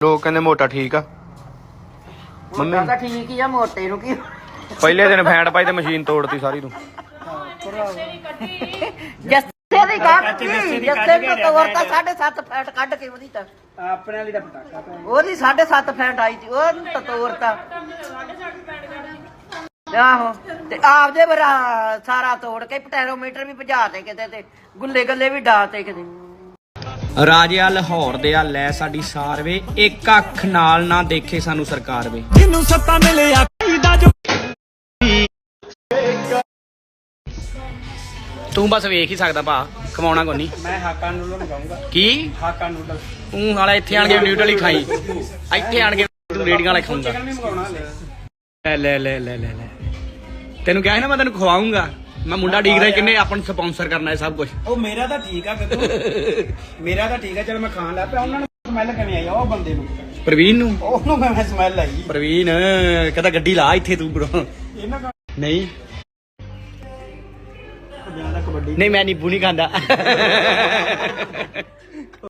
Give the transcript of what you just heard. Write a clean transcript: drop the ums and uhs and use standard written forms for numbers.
ਲੋਕ ਕਹਿੰਦੇ ਮੋਟਾ ਠੀਕ ਆ ਮੰਮੀ ਤਾਂ ਠੀਕ ਹੀ ਆ ਮੋਟੇ ਨੂੰ ਕੀ ਪਹਿਲੇ ਦਿਨ ਫੈਂਟ ਪਾਈ ਤੇ ਮਸ਼ੀਨ ਤੋੜਤੀ ਸਾਰੀ ਤੂੰ ਜੱਸੇ ਦੀ ਕੱਢ ਜੱਸੇ ਨੂੰ ਤੋੜਤਾ 7.5 ਫੈਂਟ ਕੱਢ ਕੇ ਉਹਦੀ ਤਾਂ ਆਪਣੇ ਵਾਲੀ ਦਾ ਪਟਾਕਾ ਪੈ ਉਹਦੀ 7.5 ਫੈਂਟ ਆਈ ਸੀ ਉਹ ਤਾਂ ਤੋੜਤਾ ਆਹੋ ਤੇ ਆਪਦੇ ਬਰਾ ਸਾਰਾ ਤੋੜ ਕੇ ਪਟੈਰੋਮੀਟਰ ਵੀ ਭਜਾ ਤੇ ਕਿਤੇ ਤੇ ਗੁੱਲੇ ਗੱਲੇ ਵੀ ਡਾ ਤੇ ਕਿਤੇ ਰਾਜਿਆ ਲਾਹੌਰ ਦੇ ਆ ਲੈ ਸਾਡੀ ਸਾਰਵੇ ਇੱਕ ਅੱਖ ਨਾਲ ਨਾ ਦੇਖੇ ਸਾਨੂੰ ਸਰਕਾਰ ਵੇ ਜਿਹਨੂੰ ਸੱਤਾ ਮਿਲਿਆ ਦਾ ਜੋ ਤੂੰ ਬਸ ਵੇਖ ਹੀ ਸਕਦਾ ਭਾ ਕਮਾਉਣਾ ਕੋਈ ਨਹੀਂ ਮੈਂ ਹਾਕਾ ਨੂਡਲ ਮੰਗਾਉਂਗਾ ਕੀ ਹਾਕਾ ਨੂਡਲ ਤੂੰ ਹਾਲਾ ਇੱਥੇ ਆਣ ਕੇ ਨਿਊਟਰਲ ਹੀ ਖਾਈ ਇੱਥੇ ਆਣ ਕੇ ਤੂੰ ਰੇੜੀਆਂ ਵਾਲੇ ਖਾਊਂਗਾ ਚਿਕਨ ਵੀ ਮੰਗਾਉਣਾ ਲੈ ਤੈਨੂੰ ਕਿਹਾ ਸੀ ਨਾ ਮੈਂ ਤੈਨੂੰ ਖਵਾਉਂਗਾ ਮੈਂ ਮੁੰਡਾ ਡੀਕਦਾ ਕਿੰਨੇ ਆਪਾਂ ਨੂੰ ਸਪਾਂਸਰ ਕਰਨਾ ਹੈ ਸਭ ਕੁਝ ਉਹ ਮੇਰਾ ਤਾਂ ਠੀਕ ਆ ਗੱਗੂ ਮੇਰਾ ਤਾਂ ਠੀਕ ਆ ਚਲ ਮੈਂ ਖਾਣ ਲੱਗ ਪਿਆ ਉਹਨਾਂ ਨੂੰ ਸਮੈਲ ਕਿਵੇਂ ਆਈ ਉਹ ਬੰਦੇ ਨੂੰ ਪ੍ਰਵੀਨ ਨੂੰ ਉਹਨੂੰ ਮੈਂ ਸਮੈਲ ਆਈ ਪ੍ਰਵੀਨ ਕਹਿੰਦਾ ਗੱਡੀ ਲਾ ਇੱਥੇ ਤੂੰ ਬਰੋ ਇਹਨਾਂ ਦਾ ਨਹੀਂ ਜਿਆਦਾ ਕਬੱਡੀ ਨਹੀਂ ਮੈਂ ਨੀਬੂ ਨਹੀਂ ਖਾਂਦਾ